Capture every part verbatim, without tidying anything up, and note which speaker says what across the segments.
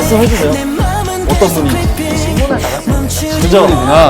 Speaker 1: 말씀해주세요. 어떤 분이
Speaker 2: 질문을 받았어요.
Speaker 1: 그죠?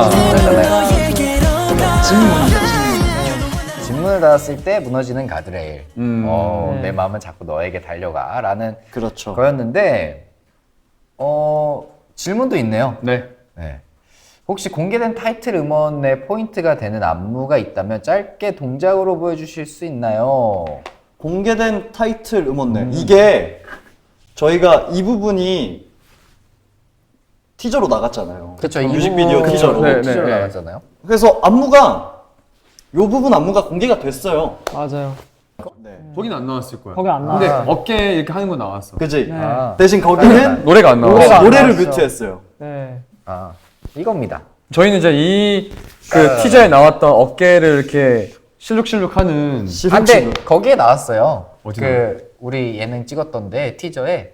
Speaker 2: 질문을 받았을 때 무너지는 가드레일.
Speaker 1: 음.
Speaker 2: 어,
Speaker 3: 네.
Speaker 2: 내 마음은 자꾸 너에게 달려가라는
Speaker 1: 그렇죠.
Speaker 2: 거였는데 어, 질문도 있네요.
Speaker 3: 네.
Speaker 2: 네. 혹시 공개된 타이틀 음원의 포인트가 되는 안무가 있다면 짧게 동작으로 보여주실 수 있나요?
Speaker 1: 공개된 타이틀 음원네. 이게 저희가 이 부분이 티저로 나갔잖아요.
Speaker 2: 그렇죠.
Speaker 1: 뮤직비디오 티저로.
Speaker 3: 네, 네.
Speaker 2: 티저로 나갔잖아요.
Speaker 1: 그래서 안무가 요 부분 안무가 공개가 됐어요.
Speaker 3: 맞아요.
Speaker 1: 네.
Speaker 3: 거기는 안 나왔을 거야.
Speaker 4: 거기 안
Speaker 3: 근데
Speaker 4: 나왔어요.
Speaker 3: 어깨 이렇게 하는 건 나왔어.
Speaker 1: 그지?
Speaker 4: 네.
Speaker 2: 아,
Speaker 1: 대신 거기는
Speaker 3: 노래가 안 나와.
Speaker 4: 노래가 안
Speaker 1: 노래를
Speaker 4: 나왔어.
Speaker 1: 뮤트했어요.
Speaker 4: 네.
Speaker 2: 아, 이겁니다.
Speaker 3: 저희는 이제 이 그 티저에 나왔던 어깨를 이렇게 실룩실룩하는
Speaker 2: 아, 근데 거기에 나왔어요.
Speaker 3: 어디
Speaker 2: 그 우리 예능 찍었던데 티저에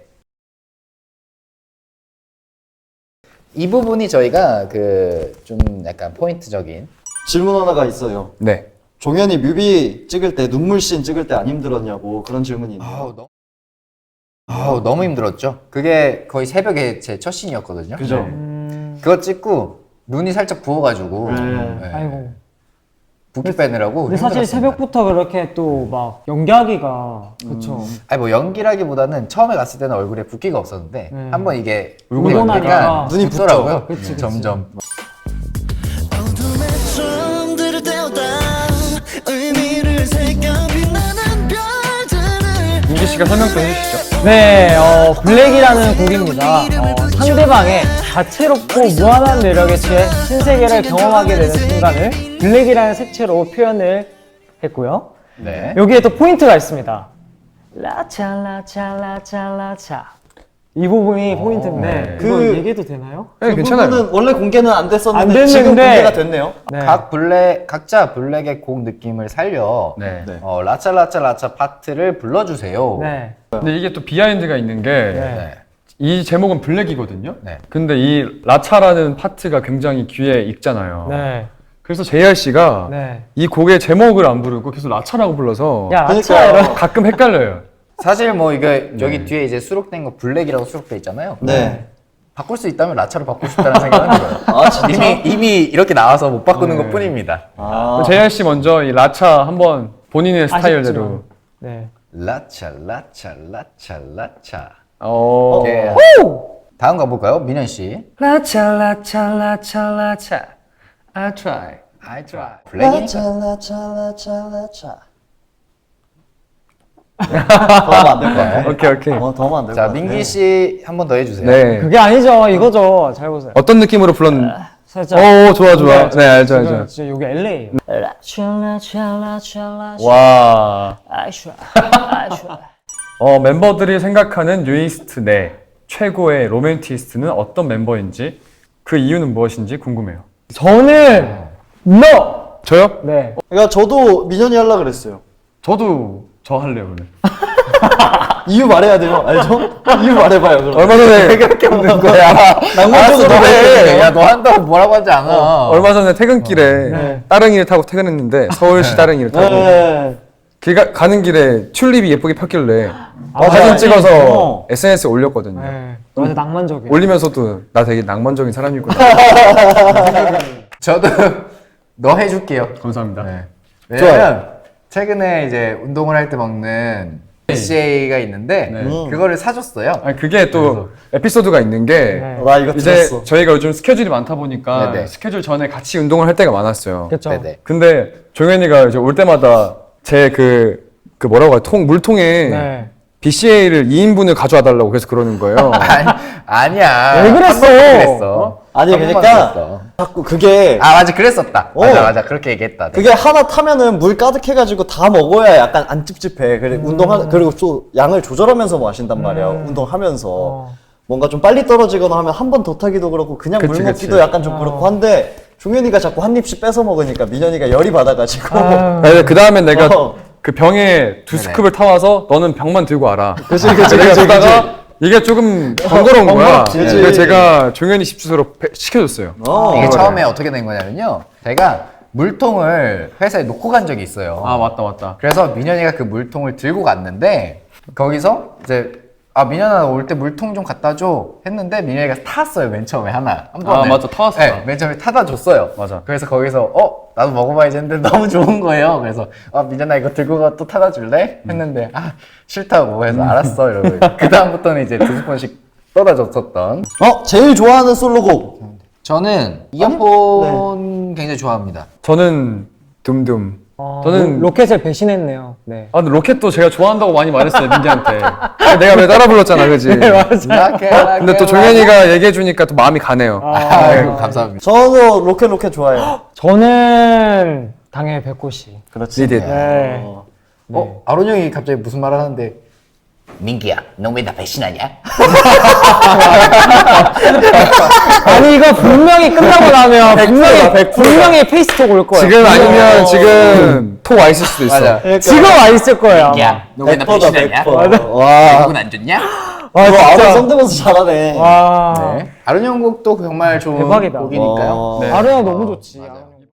Speaker 2: 이 부분이 저희가 그 좀 약간 포인트적인
Speaker 1: 질문 하나가 있어요.
Speaker 3: 네.
Speaker 1: 종현이 뮤비 찍을 때 눈물씬 찍을 때 안 힘들었냐고 그런 질문이 있네요.
Speaker 2: 아우 너무 아우 너무 힘들었죠. 그게 거의 새벽에 제 첫 씬이었거든요.
Speaker 1: 그죠?
Speaker 4: 음.
Speaker 2: 그거 찍고 눈이 살짝 부어가지고
Speaker 1: 네.
Speaker 2: 네.
Speaker 4: 아이고.
Speaker 2: 붓기 빼느라고
Speaker 4: 근데 사실
Speaker 2: 힘들었습니다.
Speaker 4: 새벽부터 그렇게 또 막 연기하기가 그쵸.
Speaker 2: 아니 뭐 연기라기보다는 처음에 갔을 때는 얼굴에 붓기가 없었는데
Speaker 4: 네.
Speaker 2: 한번 이게
Speaker 4: 울고
Speaker 2: 울고
Speaker 4: 나니까
Speaker 2: 나니까
Speaker 1: 눈이
Speaker 2: 붓더라고요.
Speaker 4: 그치, 그치.
Speaker 2: 점점.
Speaker 5: 어둠의 정들을 때우다 의미를 새겨 빛나는 별들을
Speaker 3: 민기 씨가 설명 좀 해주시죠.
Speaker 4: 네, 어, 블랙이라는 곡입니다. 어, 상대방의 다채롭고 무한한 매력에 취해 신세계를 경험하게 되는 순간을 블랙이라는 색채로 표현을 했고요.
Speaker 2: 네.
Speaker 4: 여기에 또 포인트가 있습니다. 라차 라차 라차 라차 이 부분이 포인트인데
Speaker 3: 네.
Speaker 4: 그거
Speaker 1: 그-
Speaker 4: 얘기해도 되나요?
Speaker 3: 네,
Speaker 1: 그
Speaker 3: 괜찮아요.
Speaker 1: 부분은 원래 공개는 안 됐었는데
Speaker 4: 안
Speaker 1: 지금
Speaker 4: 됐는데
Speaker 1: 공개가 됐네요.
Speaker 4: 네.
Speaker 2: 각 블랙 각자 블랙의 곡 느낌을 살려
Speaker 3: 네.
Speaker 1: 네.
Speaker 2: 어, 라차 라차 라차 파트를 불러주세요.
Speaker 4: 네.
Speaker 3: 근데 이게 또 비하인드가 있는 게
Speaker 4: 네.
Speaker 3: 이 제목은 블랙이거든요.
Speaker 2: 네.
Speaker 3: 근데 이 라차라는 파트가 굉장히 귀에 익잖아요.
Speaker 4: 네.
Speaker 3: 그래서 제이알 씨가
Speaker 4: 네.
Speaker 3: 이 곡의 제목을 안 부르고 계속 라차라고 불러서
Speaker 4: 야, 라차
Speaker 1: 그러니까요.
Speaker 4: 이런.
Speaker 3: 가끔 헷갈려요.
Speaker 2: 사실 뭐 이게 여기 뒤에 이제 수록된 거 블랙이라고 수록돼 있잖아요.
Speaker 1: 네.
Speaker 2: 바꿀 수 있다면 라차로 바꾸고 싶다는 생각은 들어요.
Speaker 1: 아 진짜?
Speaker 2: 이미 이미 이렇게 나와서 못 바꾸는
Speaker 3: 네.
Speaker 2: 것뿐입니다.
Speaker 1: 아.
Speaker 3: 제이알 씨 먼저 이 라차 한번 본인의 스타일대로.
Speaker 4: 아쉽지만. 네.
Speaker 2: 라차 라차 라차 라차.
Speaker 3: 어.
Speaker 2: 예. 다음 가볼까요, 민현 씨?
Speaker 3: 라차 라차 라차 라차. I try.
Speaker 2: I try. 블랙이니까.
Speaker 1: 라차라차라차라차. 더 하면 안 될 것 같아.
Speaker 3: 오케이 오케이.
Speaker 1: 어, 더 하면 안 될 것
Speaker 2: 자,
Speaker 1: 같아.
Speaker 2: 민기 씨 한 번 더 해주세요.
Speaker 3: 네.
Speaker 4: 그게 아니죠. 이거죠. 잘 보세요.
Speaker 3: 어떤 느낌으로 불렀는지.
Speaker 4: 살짝.
Speaker 3: 오 좋아 좋아. 네 알죠
Speaker 4: 지금
Speaker 3: 알죠.
Speaker 4: 진짜 여기 엘에이예요.
Speaker 3: 와.
Speaker 4: 아이샤. 아이샤.
Speaker 3: 어 멤버들이 생각하는 뉴이스트 내 최고의 로맨티스트는 어떤 멤버인지 그 이유는 무엇인지 궁금해요.
Speaker 4: 저는 no.
Speaker 3: 저요?
Speaker 4: 네.
Speaker 1: 그러니까 저도 민현이 하려고 그랬어요.
Speaker 3: 저도 저 할래요 오늘.
Speaker 1: 이유 말해야 돼요. 알죠? 이유 말해봐요. 그럼.
Speaker 3: 얼마 전에
Speaker 2: 그렇게 없는 거야.
Speaker 1: 낭만적으로
Speaker 2: 알았어,
Speaker 1: 말해.
Speaker 2: 그래. 야, 너 한다고 뭐라고 하지 않아.
Speaker 3: 얼마 전에 퇴근길에
Speaker 4: 네.
Speaker 3: 따릉이를 타고 퇴근했는데 서울시 따릉이를 타고
Speaker 1: 네.
Speaker 3: 길 가는 길에 튤립이 예쁘게 폈길래
Speaker 4: 아,
Speaker 3: 사진
Speaker 4: 네.
Speaker 3: 찍어서
Speaker 1: 어.
Speaker 3: 에스엔에스에 올렸거든요.
Speaker 4: 네. 맞아 낭만적이에요.
Speaker 3: 올리면서도 나 되게 낭만적인 사람이구나.
Speaker 2: 저도 너 해줄게요.
Speaker 3: 감사합니다.
Speaker 2: 네. 왜냐면 최근에 이제 운동을 할 때 먹는 비씨에이가 있는데
Speaker 3: 네.
Speaker 1: 음.
Speaker 2: 그거를 사줬어요.
Speaker 3: 아니 그게 또 에피소드가 있는 게
Speaker 4: 네.
Speaker 1: 나 이거
Speaker 3: 이제
Speaker 1: 들었어.
Speaker 3: 저희가 요즘 스케줄이 많다 보니까
Speaker 2: 네네.
Speaker 3: 스케줄 전에 같이 운동을 할 때가 많았어요.
Speaker 4: 그렇죠.
Speaker 2: 네네.
Speaker 3: 근데 종현이가 이제 올 때마다 제 그 그 뭐라고 해요? 통 물통에
Speaker 4: 네.
Speaker 3: 비씨에이를 이 인분을 가져와 달라고 계속 그러는 거예요.
Speaker 2: 아니, 아니야.
Speaker 4: 왜 그랬어?
Speaker 2: 한 번만 그랬어.
Speaker 1: 아니
Speaker 2: 한 번만
Speaker 1: 그러니까
Speaker 2: 그랬어.
Speaker 1: 자꾸 그게
Speaker 2: 아 맞아 그랬었다.
Speaker 1: 어.
Speaker 2: 맞아 맞아 그렇게 얘기했다. 내가.
Speaker 1: 그게 하나 타면은 물 가득해가지고 다 먹어야 약간 안 찝찝해. 그래 운동하 그리고 또 양을 조절하면서 마신단 말이야. 운동하면서
Speaker 4: 어.
Speaker 1: 뭔가 좀 빨리 떨어지거나 하면 한 번 더 타기도 그렇고 그냥
Speaker 3: 그치,
Speaker 1: 물 먹기도
Speaker 3: 그치.
Speaker 1: 약간 좀 그렇고 한데 종현이가 자꾸 한 입씩 뺏어 먹으니까 민현이가 열이 받아가지고
Speaker 4: 아.
Speaker 3: 그 다음에 내가
Speaker 1: 어.
Speaker 3: 그 병에 두
Speaker 2: 네네.
Speaker 3: 스쿱을 타와서 너는 병만 들고 와라.
Speaker 1: 그치, 그치,
Speaker 3: 내가
Speaker 1: 그치,
Speaker 3: 보다가 이게 조금 번거로운 거야.
Speaker 1: 번거롭지.
Speaker 3: 그래서 제가 종현이 집 주소로 배- 시켜줬어요.
Speaker 1: 어.
Speaker 2: 이게
Speaker 3: 그거를.
Speaker 2: 처음에 어떻게 된 거냐면요. 제가 물통을 회사에 놓고 간 적이 있어요.
Speaker 3: 아 맞다 맞다.
Speaker 2: 그래서 민현이가 그 물통을 들고 갔는데 거기서 이제 아 민현아 올 때 물통 좀 갖다 줘 했는데 민현이가 탔어요 맨 처음에 하나 한 번에.
Speaker 3: 아, 맞아. 타왔어.
Speaker 2: 네, 맨 처음에 타다 줬어요.
Speaker 3: 맞아.
Speaker 2: 그래서 거기서 어 나도 먹어봐야지 했는데 너무 좋은 거예요. 그래서 아 민현아 이거 들고 가 또 타다 줄래? 했는데 아 싫다고 해서 알았어 이러고 그 다음부터는 이제 두 스푼씩 떠다 줬었던.
Speaker 1: 어 제일 좋아하는 솔로곡.
Speaker 2: 저는 이어폰 굉장히 좋아합니다.
Speaker 3: 저는 둠둠.
Speaker 4: 어,
Speaker 3: 저는-
Speaker 4: 로- 로켓을 배신했네요. 네.
Speaker 3: 아, 근데 로켓도 제가 좋아한다고 많이 말했어요, 민기한테. 내가 왜 따라 불렀잖아, 그지? 근데 또 종현이가 얘기해주니까 또 마음이 가네요.
Speaker 2: 아이고 감사합니다.
Speaker 1: 저도 로켓 로켓 좋아해요.
Speaker 4: 저는 당연히 백호씨.
Speaker 1: 그렇지.
Speaker 3: 리딧.
Speaker 4: 네.
Speaker 1: 어.
Speaker 2: 어 아론 형이 갑자기 무슨 말 하는데 민기야 너 왜 나 배신하냐?
Speaker 4: 아니 이거 분명히 끝나고 나면 분명히 분명히 페이스톡 올 거예요.
Speaker 3: 지금 아니면 지금 톡 와 있을 수도 있어.
Speaker 2: 맞아.
Speaker 4: 지금 와 있을 거예요. 아마.
Speaker 2: 야 너 왜 나
Speaker 1: 백퍼다
Speaker 2: 배신하냐?
Speaker 1: 백퍼. 와.
Speaker 2: 기분 안 좋냐?
Speaker 4: 아
Speaker 1: 이거 알아
Speaker 4: 진짜.
Speaker 1: 성대모사 잘하네.
Speaker 4: 와.
Speaker 2: 네. 아론 형 곡도 정말 좋은
Speaker 4: 대박이다.
Speaker 2: 곡이니까요.
Speaker 1: 어.
Speaker 3: 네.
Speaker 4: 아르야 너무 좋지.
Speaker 2: 맞아요.